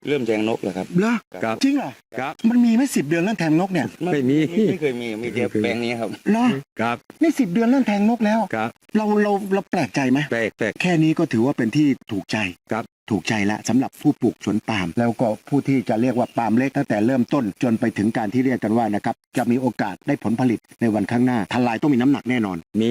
เริ่มแทงนกแล้วครับเหรอครับจริงเหรอครับมันมีไหม10 เดือนเริ่มแทงนกเนี่ยไม่เคยมีแต่แปลงนี้ครับเหรอครับนี่10 เดือนเริ่มแทงนกแล้วครับเราแปลกใจไหมแปลกแค่นี้ก็ถือว่าเป็นที่ถูกใจครับถูกใจแล้วสำหรับผู้ปลูกสวนปาล์มแล้วก็ผู้ที่จะเรียกว่าปาล์มเล็กตั้งแต่เริ่มต้นจนไปถึงการที่เรียกกันว่านะครับจะมีโอกาสได้ผลผลิตในวันข้างหน้าทลายต้องมีน้ำหนักแน่นอนมี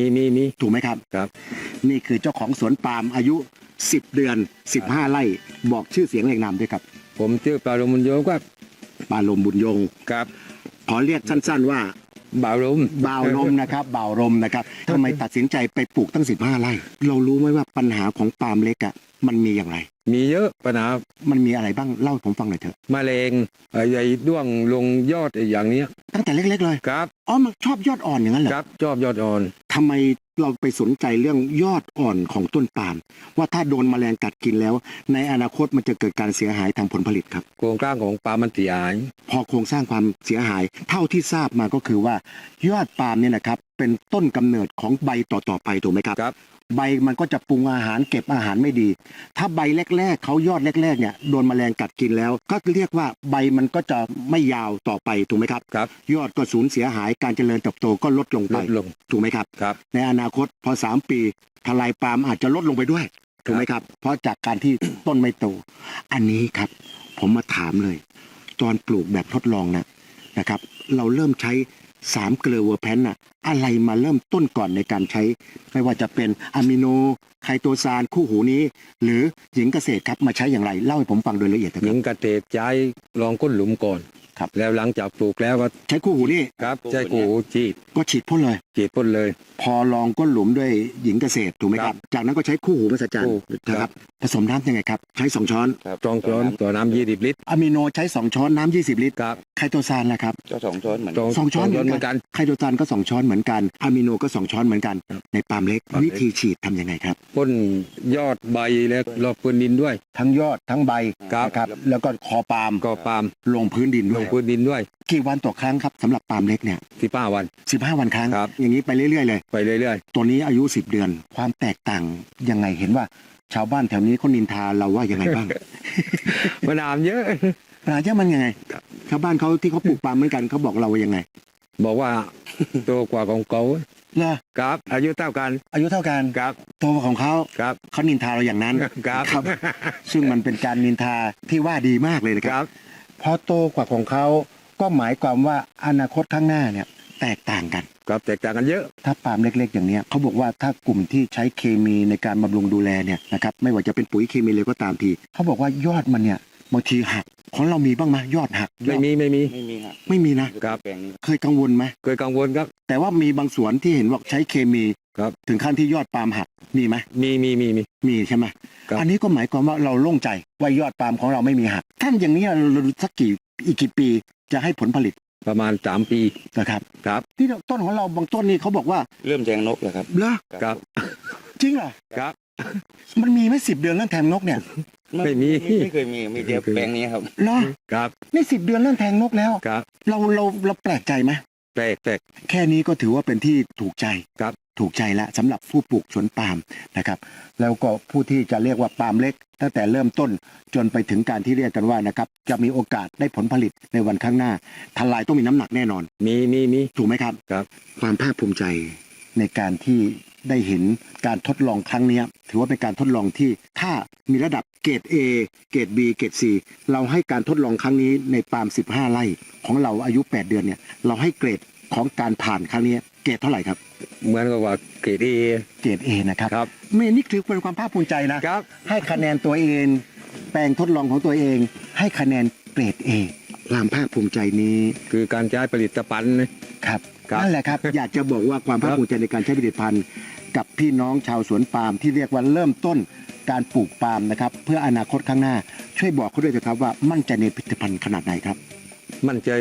ถูกไหมครับครับนี่คือเจ้าของสวนปาล์มอายุ10 เดือน 15 ไร่บอกชื่อเสียงเรียงนามด้วยครับผมชื่อปาลมุนโยครับปาลมบุญยงครับขอเรียกสั้นๆว่าบ่าวลมบ่าวลมนะครับบ่าวลมนะครับทำไมตัดสินใจไปปลูกตั้ง15 ไร่เรารู้ไหมว่าปัญหาของปาล์มเล็กอ่ะมันมีอย่างไรมีเยอะปัญหามันมีอะไรบ้างเล่าให้ผมฟังหน่อยเถอะแมลงใหญ่ด้วงลงยอดอย่างเนี้ยตั้งแต่เล็กๆเลยครับอ๋อมันชอบยอดอ่อนอย่างนั้นเหรอครับชอบยอดอ่อนทำไมเราไปสนใจเรื่องยอดอ่อนของต้นปาล์มว่าถ้าโดนแมลงกัดกินแล้ว ในอนาคตมันจะเกิดการเสียหายทางผลผลิตครับโครงสร้างของปลามันเสียหายพอโครงสร้างความเสียหายเท่าที่ทราบมาก็คือว่ายอดปาล์มเนี่ยนะครับเป็นต้นกำเนิดของใบต่อๆไปถูกไหมครับครับใบมันก็จะปรุงอาหารเก็บอาหารไม่ดี ถ้าใบแรกๆเขายอดแรกๆเนี่ยโดนแมลงกัดกินแล้ว ก็เรียกว่าใบมันก็จะไม่ยาวต่อไปถูกไหมครับครับยอดก็สูญเสียหายการเจริญเติบโตก็ลดลงลไปดลงถูกไหมครับครับในอนาคตพอ3 ปีทลายปาล์มอาจจะลดลงไปด้วยถูกไหมครับเพราะจากการที่ ต้นไม่โต อันนี้ครับผมมาถามเลย ตอนปลูกแบบทดลองนะครับ เราเริ่มใช้3 เกลือเวอร์แพนน่ะอะไรมาเริ่มต้นก่อนในการใช้ ไม่ว่าจะเป็นอะมิโนไคโตซานคู่หูนี้ หรือหญิงเกษตรครับมาใช้อย่างไรเล่าให้ผมฟังโดยละเอียดนะหคญิรับงกระเตกใจลองก้นหลุมก่อนครับแล้วหลังจากปลูกแล้วก็ใช้คู่หูนี่ครับใช้กูฉีดก็ฉีดพ่นเลยฉีดพ่นเลยพอลองก้นหลุมด้วยหญิงเกษตรถูกไหมครับ จากนั้นก็ใช้คู่หูมาสจันคู่นะครับผสมน้ำยังไงครับใช้2 ช้อนจองช้อนต่อน้ำ20 ลิตรอะมิโนใช้2 ช้อนน้ำ20 ลิตรครับไคโตซานนะครับก็2 ช้อนเหมือนสองช้อนเหเหมืมืออน นกักัน นไคโตซานก็2 ช้อนเหมือนกันอะมิโนก็2 ช้อนเหมือนกันครับในปาล์มเล็กปาล์มเล็กวิธีฉีดทำยังไงครับพ่นยอดใบแล้วรอบพื้นดินด้วยทั้งยอดทั้งใบครับนะครับแล้วก็คอปาล์มก็ปาล์มลงพื้นดินลด้วยงพื้นดินด้วยกี่วันต่อครั้งครับสำหรับปาล์มเล็กเนี่ย 15 วัน 15 วันครั้งครับอย่างนี้ไปเรื่อยๆเลยไปเรื่อยตัวนี้อายุ10 เดือน ความแตกต่างยังไงเห็นว่า ชาวบ้านแถวนี้เขานินทาเราว่ายังไงบ้างๆมะนาวเยอะปัญหาเจ้ามันยังไงครับชาวบ้านเขาที่เขาปลูกปาล์มเหมือนกันเขาบอกเราว่ายังไงบอกว่าโตกว่าของเขาเหรอครับ อายุเท่ากันอายุเท่ากันครับโตกว่าของเขาครับเขานินทาเราอย่างนั้นครับครับ ซึ่งมันเป็นการนินทาที่ว่าดีมากเลยนะคครับ รับพอโตกว่าของเขาก็หมายความว่าอนาคตข้างหน้าเนี่ยแตกต่างกันครับแตกต่างกันเยอะถ้าปาล์มเล็กๆอย่างเนี้ยเขาบอกว่าถ้ากลุ่มที่ใช้เคมีในการบำรุงดูแลเนี่ยนะครับไม่ว่าจะเป็นปุ๋ยเคมีเลยก็ตามทีเขาบอกว่ายอดมันเนี่ยบางทีหักของเรามีบ้างไหมยอดหักไม่มีไม่มีครับไม่มีนะครับแปลงนี้เคยกังวลไหมเคยกังวลครับแต่ว่ามีบางสวนที่เห็นว่าใช้เคมีครับถึงขั้นที่ยอดปาล์มหักมีไหมมีมีใช่ไหมครับอันนี้ก็หมายความว่าเราโล่งใจว่ายอดปาล์มของเราไม่มีหักท่านอย่างนี้เราสักอีกกี่ปีจะให้ผลผลิตประมาณ3 ปีนะครับครับที่ต้นของเราบางต้นนี่เขาบอกว่าเริ่มแทงนกแล้วครับเหรอครับจริงเหรอครับมันมีไหม10 เดือนเริ่มแทงนกเนี่ยไม่มีไม่เคยมีแต่แปลงนี้ครับเหรอครับนี่10 เดือนเริ่มแทงนกแล้วครับเราแปลกใจไหมแปลกแค่นี้ก็ถือว่าเป็นที่ถูกใจครับถูกใจแล้วสำหรับผู้ปลูกสวนปาล์มนะครับ แล้วก็ผู้ที่จะเรียกว่าปาล์มเล็ก ตั้งแต่เริ่มต้นจนไปถึงการที่เรียกกันว่านะครับจะมีโอกาสได้ผลผลิตในวันข้างหน้าทลายต้องมีน้ำหนักแน่นอนมีถูกไหมครับครับความภาคภูมิใจในการที่ได้เห็นการทดลองครั้งเนี้ยถือว่าเป็นการทดลองที่ถ้ามีระดับเกรด A เกรด B เกรด C เราให้การทดลองครั้งนี้ในปาล์ม15 ไร่ของเราอายุ 8 เดือนเนี่ยเราให้เกรดของการผ่านครั้งนี้เกรดเท่าไหร่ครับเหมือนกับว่าเกรด A เกรด A นะครับครับไม่นี่ถือเป็นความภาคภูมิใจนะครับ ให้คะแนนตัวเองแปลงทดลองของตัวเอง ให้คะแนนเกรด A ความภาคภูมิใจนี้คือการใช้ผลิตภัณฑ์นะครับ ครับนั่นแหละครับ อยากจะบอกว่าความภาคภูมิใจในการใช้ผลิตภัณฑ์กับพี่น้องชาวสวนปาล์มที่เรียกว่าเริ่มต้นการปลูกปาล์มนะครับเพื่ออนาคตข้างหน้าช่วยบอกเขาด้วยนะครับว่ามั่นใจในผลิตภัณฑ์ขนาดไหนครับมั่นใจ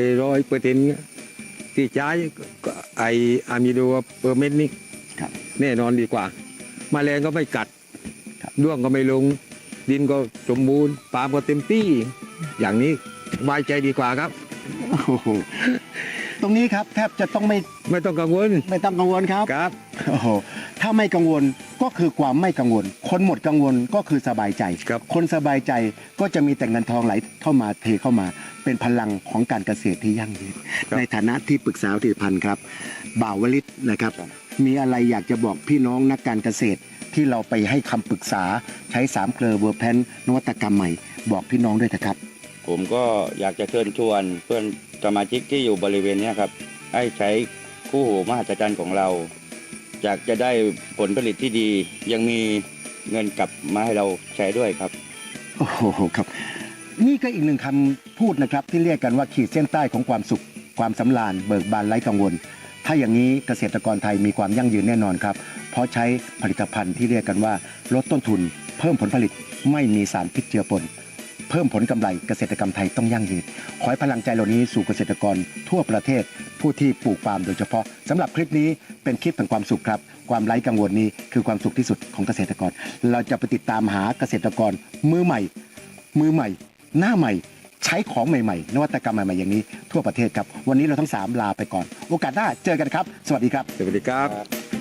100%ที่ใช้ก็ไออะมิโดเปอร์เมนต์นี่ครับแน่นอนดีกว่าแมลงก็ไม่กัดครับด้วงก็ไม่ลง ดินก็สมบูรณ์ปาล์มก็เต็มที่ อย่างนี้สบายใจดีกว่าครับโอ้โหตรงนี้ครับแทบจะต้องไม่ไม่ต้องกังวลต้องกังวลครับครับโอ้โหถ้าาไม่กังวลก็คือความไม่กังวล คนหมดกังวลก็คือสบายใจครับคนสบายใจก็จะมีแต่เงินทองไหลเข้ามาเทเข้ามา เป็นพลังของการเกษตรที่ยั่งยืนในฐานะที่ปรึกษาผลิตภัณฑ์ครับบ่าววลิตนะครับ มีอะไรอยากจะบอกพี่น้องนักการเกษตรที่เราไปให้คำปรึกษาใช้3 เกลอเวอร์แพนนวัตกรรมใหม่บอกพี่น้องด้วยนะครับผมก็อยากจะเชิญชวนเพื่อนสมาชิกที่อยู่บริเวณเนี้ยครับให้ใช้คู่หูมหัศจรรย์ของเราอยากจะได้ผลผลิตที่ดี ยังมีเงินกลับมาให้เราใช้ด้วยครับโอ้โหครับ นี่ก็อีกหนึ่งคำพูดนะครับที่เรียกกันว่าขีดเส้นใต้ของความสุข ความสำราญเบิกบานไร้กังวล ถ้าอย่างนี้เกษตรกรไทยมีความยั่งยืนแน่นอนครับ เพราะใช้ผลิตภัณฑ์ที่เรียกกันว่าลดต้นทุน เพิ่มผลผลิตไม่มีสารพิษเจือปน เพิ่มผลกำไรเกษตรกรรมไทยต้องยั่งยืน ขอให้พลังใจเหล่านี้สู่เกษตรกรทั่วประเทศ ผู้ที่ปลูกปาล์มโดยเฉพาะสำหรับคลิปนี้เป็นคลิปแห่งความสุขครับ ความไร้กังวลนี้คือความสุขที่สุดของเกษตรกร เราจะไปติดตามหาเกษตรกรมือใหม่ หน้าใหม่ ใช้ของใหม่ๆ นวัตกรรมใหม่ๆอย่างนี้ทั่วประเทศครับ วันนี้เราทั้ง3ลาไปก่อน โอกาสหน้าเจอกันครับ สวัสดีครับสวัสดีครับ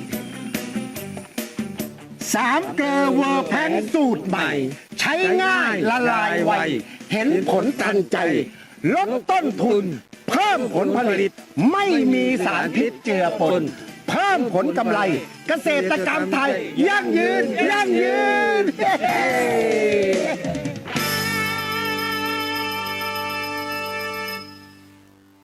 3 เกลอเวอร์แพนสูตรใหม่ ใช้ง่ายละลายไว เห็นผลทันใจ ลดต้นทุน เพิ่มผลผลิต ไม่มีสารพิษเจือปน เพิ่มผลกำไร เกษตรกรรมไทยยั่งยืน